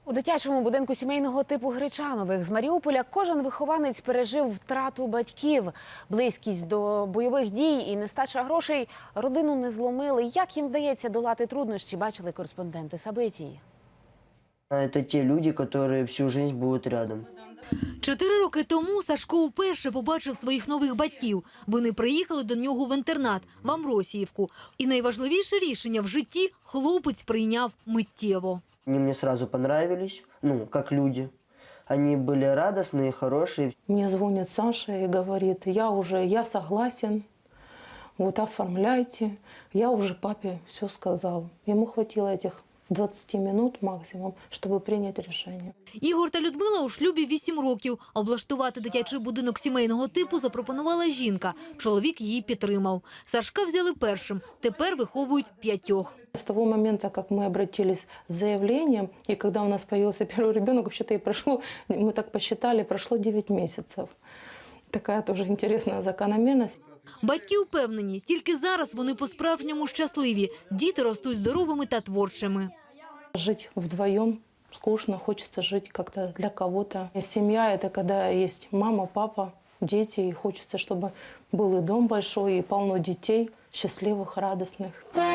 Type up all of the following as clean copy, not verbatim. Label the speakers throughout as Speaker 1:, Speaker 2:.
Speaker 1: У дитячому будинку сімейного типу Гречанових з Маріуполя кожен вихованець пережив втрату батьків. Близькість до бойових дій і нестача грошей родину не зломили. Як їм вдається долати труднощі, бачили кореспонденти Сабитії.
Speaker 2: Это те люди, которые всю жизнь будут рядом.
Speaker 3: 4 роки тому Сашко вперше побачив своїх нових батьків. Вони приїхали до нього в інтернат, в Амросіївку. І найважливіше рішення в житті хлопець прийняв миттєво.
Speaker 2: Они мне сразу понравились, как люди. Они были радостные, хорошие.
Speaker 4: Мне звонит Саша и говорит, я согласен, вот оформляйте. Я уже папе все сказал. Ему хватило этих 20 минут максимум, щоб прийняти рішення.
Speaker 3: Ігор та Людмила у шлюбі 8 років. Облаштувати дитячий будинок сімейного типу запропонувала жінка. Чоловік її підтримав. Сашка взяли першим. Тепер виховують 5.
Speaker 4: С того момента, как мы обратились с заявлением, и когда у нас появился первый ребенок, вообще-то и прошло, мы так посчитали, прошло 9 месяцев. Такая тоже интересная закономерность.
Speaker 3: Батьки впевнені, тільки зараз вони по-справжньому щасливі. Діти ростуть здоровими та творчими.
Speaker 4: Жить вдвоем скучно, хочется жить как-то для кого-то. Семья – это когда есть мама, папа, дети, и хочется, чтобы был и дом большой, и полно детей, счастливых, радостных.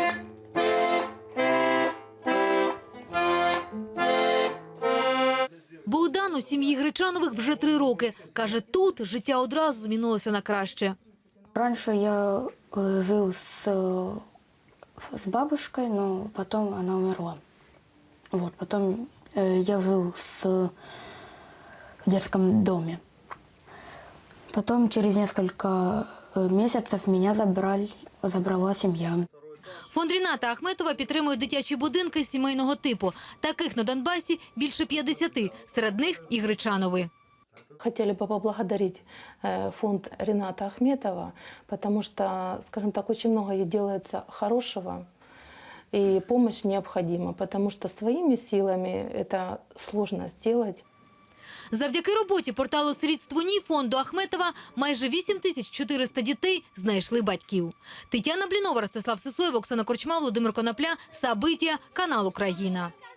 Speaker 3: Богдан у сім'ї Гречанових вже 3 роки. Каже, тут життя одразу змінилося на краще.
Speaker 5: Раньше я жил с бабушкой, но потом она умерла. Потом я жил в детском доме. Потом через несколько месяцев меня забрала семья.
Speaker 3: Фонд Ріната Ахметова підтримує дитячі будинки сімейного типу. Таких на Донбасі більше 50, серед них і Гречанови.
Speaker 4: Хотели бы поблагодарить фонд Рината Ахметова, потому что, скажем так, очень много делается хорошего, и помощь необходима, потому что своими силами это сложно сделать.
Speaker 3: Завдяки роботі порталу «Сирітство ні» фонду Ахметова майже 8400 дітей знайшли батьків. Тетяна Блінова, Ростислав Сисоєв, Оксана Корчма, Володимир Конопля, Сабитія, канал «Україна».